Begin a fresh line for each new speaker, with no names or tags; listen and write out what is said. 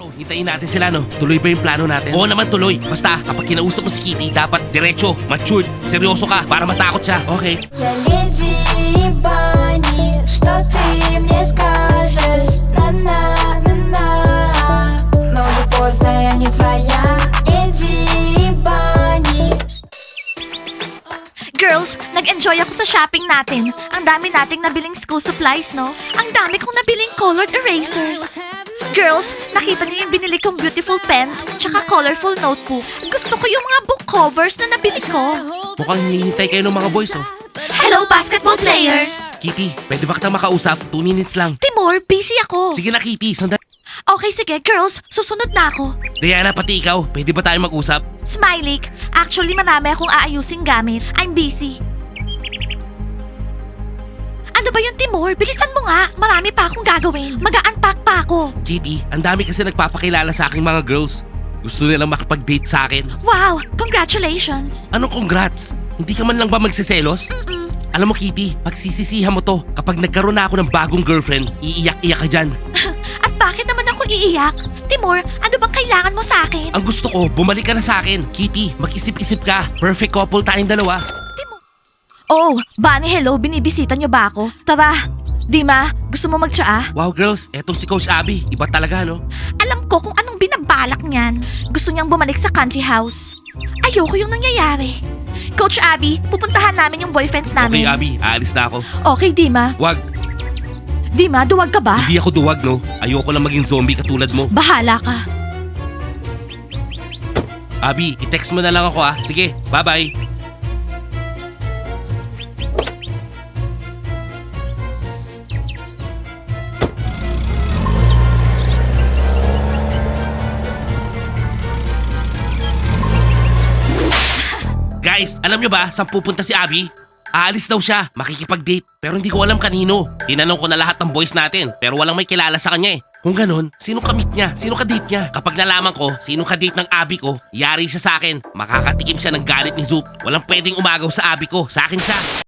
Tomorrow, hintayin natin sila, no? Tuloy ba yung plano natin? Oo naman, tuloy. Basta, kapag kinausap mo si Kitty, dapat diretso, matured, seryoso ka, para matakot siya. Okay?
Я леди Бани, что ты мне скажешь? На-на-на-на. Но уже поздно, я не твоя леди Бани.
Girls, nag-enjoy ako sa shopping natin. Ang dami nating nabiling school supplies, no? Ang dami kong nabiling colored erasers. Girls, nakita niyo yung binili kong beautiful pens tsaka colorful notebook. Gusto ko yung mga book covers na nabili ko.
Mukhang hinihintay kayo ng mga boys, oh.
Hello, basketball players!
Kitty, pwede ba kitang makausap? 2 minutes lang.
Timur, busy ako.
Sige na, Kitty, sandali.
Okay, sige, girls. Susunod na ako.
Diana, pati ikaw, pwede ba tayo mag-usap?
Smiley, actually marami akong aayusing gamit. I'm busy. Ano ba yun, Timur? Bilisan mo nga. Marami pa akong gagawin. Mag-unpack pa ako.
Kitty, ang dami kasi nagpapakilala sa aking mga girls. Gusto nilang makipag-date sa akin.
Wow, congratulations.
Anong congrats? Hindi ka man lang ba magsiselos? Alam mo, Kitty, pagsisisihan mo to. Kapag nagkaroon na ako ng bagong girlfriend, iiyak-iyak ka dyan.
At bakit naman ako iiyak? Timur, ano bang kailangan mo sa akin?
Ang gusto ko, bumalik ka na sa akin. Kitty, mag-isip-isip ka. Perfect couple tayong dalawa.
Timur. Oh, Bunny, hello. Binibisita niyo ba ako? Tara. Dima, gusto mo magtsaa?
Wow, girls, etong si Coach Abby. Iba talaga, no?
Alam ko kung anong binabalak niyan. Gusto niyang bumalik sa country house. Ayoko yung nangyayari. Coach Abby, pupuntahan namin yung boyfriends
Okay,
namin.
Abby, aalis na ako.
Okay, Dima.
Wag,
Dima, duwag ka ba?
hindi ako duwag, no? Ayoko lang maging zombie katulad mo.
Bahala ka.
Abby, i-text mo na lang ako, ah. Sige, bye-bye. Guys, alam nyo ba saan pupunta si Abby? Aalis daw siya, makikipag-date. Pero hindi ko alam kanino. Tinanong ko na lahat ng boys natin, pero walang may kilala sa kanya eh. Kung ganon, sino ka-meet niya? Sino ka-date niya? Kapag nalaman ko, sino ka-date ng Abby ko, yari siya sa akin. Makakatikim siya ng galit ni Zoop. Walang pwedeng umagaw sa Abby ko. Sa akin siya.